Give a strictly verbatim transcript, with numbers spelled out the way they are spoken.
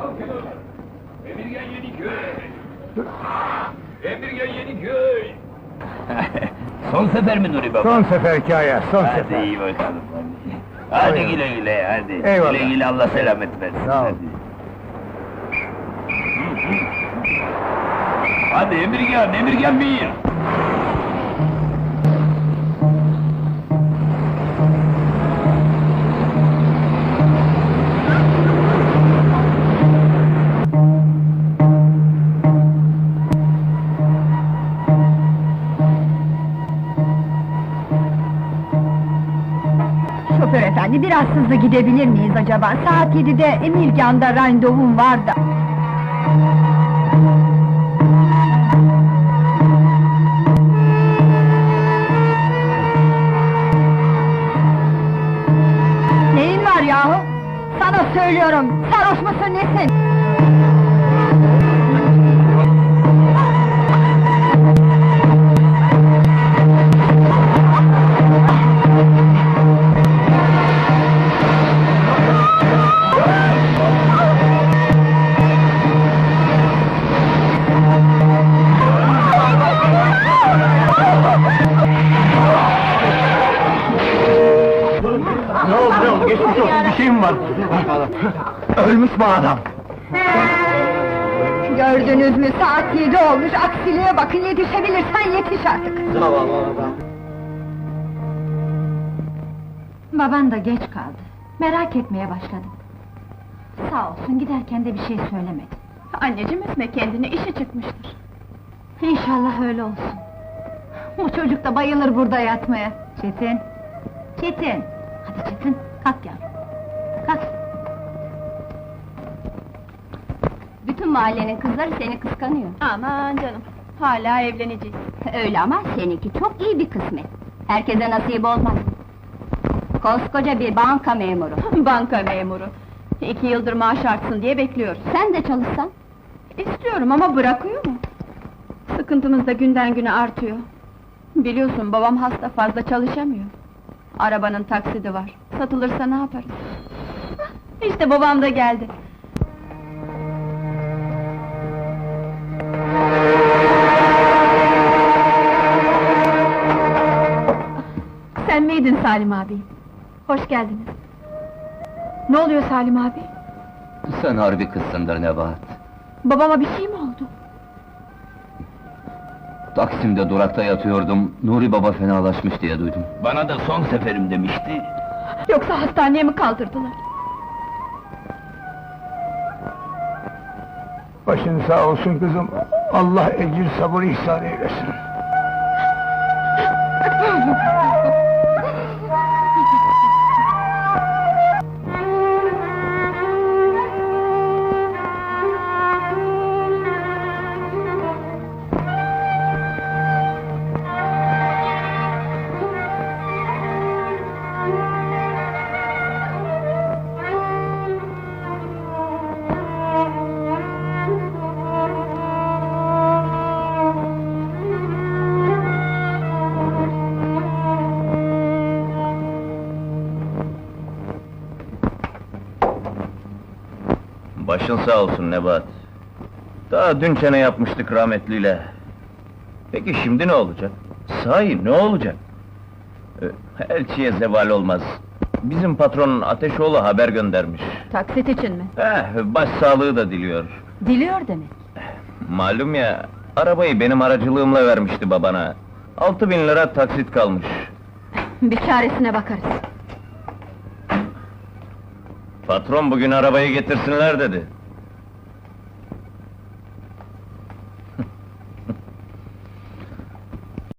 Emirgan Yeniköy! Emirgan Yeniköy! Son sefer mi Nuri Baba? Son seferki aya, son Hadi sefer. iyi bakalım hadi. Hadi güle güle hadi. Eyvallah. Güle güle Allah selamet versin. Sağ ol. Hadi. Hadi Emirgan, Emirgan bir! Şoför efendi, biraz hızlı gidebilir miyiz acaba? Saat yedide Emirgan'da randevum var da. Neyin var yahu? Sana söylüyorum, sarhoş musun nesin? Ne oldu, ne oldu? Geçmiş olsun, bir şey mi var? Ölmüş mü adam? Gördünüz mü, saat yedi olmuş, aksiliğe bakın, yetişebilirsen yetiş artık! Baban da geç kaldı, merak etmeye başladım. Sağ olsun, giderken de bir şey söylemedi. Anneciğim üzme kendini, işi çıkmıştır. İnşallah öyle olsun. Bu çocuk da bayılır burada yatmaya. Çetin! Çetin! Hadi Çetin, kalk yavrum! Kalk! Bütün mahallenin kızları seni kıskanıyor. Aman canım, hala evleneceğiz. Öyle ama seninki çok iyi bir kısmet. Herkese nasip olmaz. Koskoca bir banka memuru. Banka memuru. İki yıldır maaş artsın diye bekliyoruz. Sen de çalışsan. İstiyorum ama bırakıyor mu? Sıkıntımız da günden güne artıyor. Biliyorsun babam hasta, fazla çalışamıyor. Arabanın taksidi var. Satılırsa ne yaparız? Hah, İşte babam da geldi. Sen miydin Salim abi? Hoş geldiniz. Ne oluyor Salim abi? Sen harbi kızsındır Nebahat. Babama bir şey mi oldu? Taksim'de durakta yatıyordum, Nuri Baba fenalaşmış diye duydum. Bana da son seferim demişti. Yoksa hastaneye mi kaldırdılar? Başın sağ olsun kızım, Allah ecir sabır ihsan eylesin. Başın sağ olsun Nebahat. Daha dün çene yapmıştık rahmetliyle. Peki şimdi ne olacak? Sahi ne olacak? Ee, Elçiye zeval olmaz. Bizim patronun Ateşoğlu haber göndermiş. Taksit için mi? Eh, başsağlığı da diliyor. Diliyor demek. Malum ya, arabayı benim aracılığımla vermişti babana. Altı bin lira taksit kalmış. Bir çaresine bakarız. Patron bugün arabayı getirsinler dedi.